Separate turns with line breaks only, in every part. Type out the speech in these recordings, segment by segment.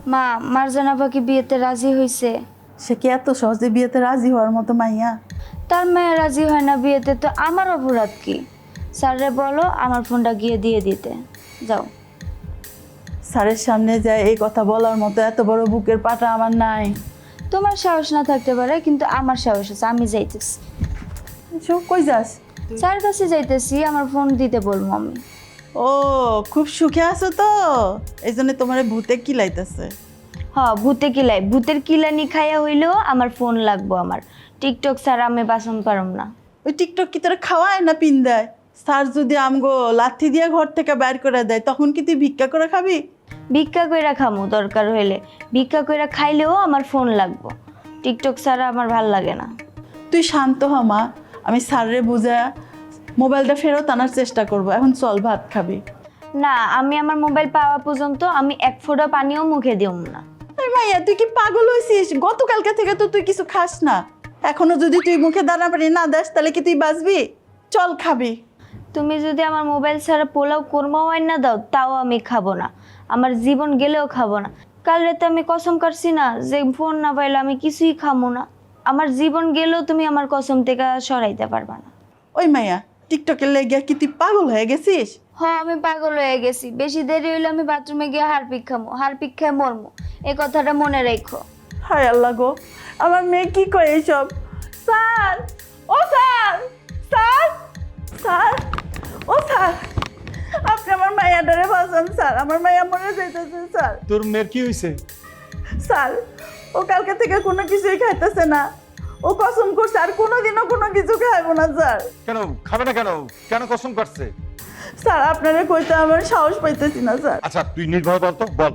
মা, মার্জানা পাখি বিয়েতে রাজি হয়েছে।
সে কি এত সহজে বিয়েতে রাজি হওয়ার মতো মাইয়া?
তার মেয়ে রাজি হয় না বিয়েতে, তো আমার অপরাধ কি? স্যাররে বলো আমার ফোনটা গিয়ে দিয়ে দিতে। যাও।
স্যারের সামনে যায় এই কথা বলার মতো এত বড় বুকের পাটা আমার নাই।
তোমার সাহস না থাকতে পারে, কিন্তু আমার সাহস আছে, আমি যাইতেছি।
কই যাস?
স্যার কাছে যাইতেছি, আমার ফোন দিতে বলবো আমি।
ও, খুব সুখে আছো তো, এই জন্য তোমার ভূতে কিলাইতেছে।
হ্যাঁ, ভূতে কিলাই, ভূতের কিলানি খাইয়া হইলেও আমার ফোন লাগবো। আমার টিকটক স্যার আমি বাসন পারম না।
ওই টিকটক কি তোরা খাওয়ায় না পিন দেয়? স্যার যদি আমগো লাথি দিয়ে ঘর থেকে বাইর করে দেয় তখন কি তুই ভিক্ষা করে খাবি?
ভিক্ষা কইরা খামু দরকার হইলে, ভিক্ষা কইরা খাইলেও আমার ফোন লাগবো। টিকটক স্যার আমার ভাল লাগে না।
তুই শান্ত হ মা, আমি স্যাররে বুঝা মোবাইলটা ফেরত আনার চেষ্টা করব। এখন চল ভাত খাবি।
না, আমি আমার মোবাইল পাওয়া পর্যন্ত আমি এক ফোঁটা পানিও মুখে দিও না।
এই মাইয়া, তুই কি পাগল হয়েছিস? গতকালকে থেকে তো তুই কিছু খাস না, এখনো যদি তুই মুখে দানা পানি না দাস তাহলে কি তুই বাঁচবি? চল খাবি।
তুমি যদি আমার মোবাইল ছাড়া পোলাও কোরমা ওয়াইন না দাও তাও আমি খাবো না, আমার জীবন গেলেও খাবো না। কাল রাতে আমি কসম কাটছি না যে ফোন না পাইলে আমি কিছুই খাবো না। আমার জীবন গেলেও তুমি আমার কসম থেকে সরাইতে পারবা না।
ওই মাইয়া, টিকটকের লেগে কি তুই পাগল হয়ে গেছিস?
হ্যাঁ, আমি পাগল হয়ে গেছি। বেশি দেরি হইলে আমি বাথরুমে গিয়ে হারপিক খামো, হারপিক খাই মরমো। এই কথাটা মনে রেখো।
হায় আল্লাহ গো, আমার মেয়ে কি করে এইসব? স্যার, ও স্যার, স্যার, স্যার, ও স্যার, আপনি আমার মাইয়াটারে বাঁচান স্যার, আমার মাইয়া মরে যাইতেছে স্যার।
তোর মেয়ের কি হয়েছে?
স্যার, ও কালকে থেকে কোনো কিছুই খাইতেছে না। ও কসম করছে আর কোনোদিনও কোনো কিছু খাইবো না স্যার।
কেন খাবে না? কেন কেন কসম করছে?
স্যার, আপনারা কইতে আমার সাহস পাইতেছি না স্যার।
আচ্ছা তুই নির্ভয় বল তো, বল।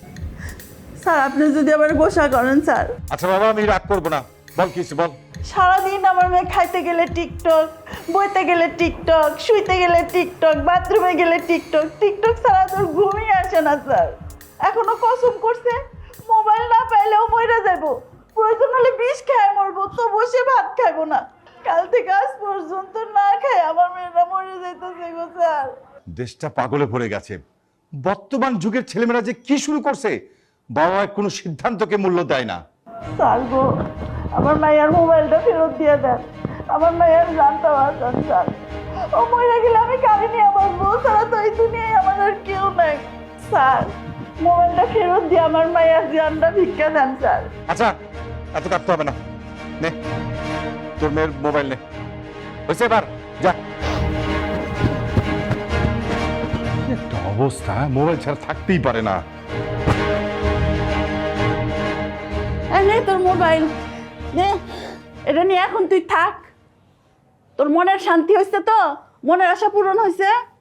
স্যার, আপনি যদি আবার গোসা করেন স্যার।
আচ্ছা বাবা, আমি রাগ করবো না, বল কি হয়েছে বল।
সারাদিন আমার মেয়ে খাইতে গেলে টিকটক, বইতে গেলে টিকটক, শুইতে গেলে টিকটক, বাথরুমে গেলে টিকটক, টিকটক ছাড়া তোর ঘুমই আসে না স্যার। এখনো কসম করছে মোবাইল না পাইলেও মরে যাবো, প্রয়োজন হলে বিষ খেয়ে মরবো, তো বসে ভাত খাইবো না। কাল থেকে আজ পর্যন্ত না খাই আমার মেয়েরা মরে যাইতেছে গো স্যার।
দেশটা পাগলে ভরে গেছে। বর্তমান যুগের ছেলেমেয়েরা যে কি শুরু করছে, বাবা কোনো সিদ্ধান্তকে মূল্য দেয় না।
স্যার গো, আমার মায়ের মোবাইলটা ফেরত দিয়ে দেন, আমার মায়ের জানতে পারছেন স্যার। ও মরে গেলে আমি কাঁদিনি, আমার বউ ছাড়া তো এই দুনিয়ায় আমার আর কেউ নাই স্যার। মোবাইলটা ফেরত দিয়ে আমার মায়ের জানটা ভিক্ষা দেন স্যার।
আচ্ছা এত কাঁদতে হবে না, নে তোর মেয়ের মোবাইল নে, হয়েছে এবার যা। কি একটা অবস্থা, মোবাইল ছাড়া থাকতেই পারে না।
নে তোর মোবাইল নে, এটা নিয়ে এখন তুই থাক। তোর মনের শান্তি হয়েছে তো? মনের আশা পূরণ হয়েছে?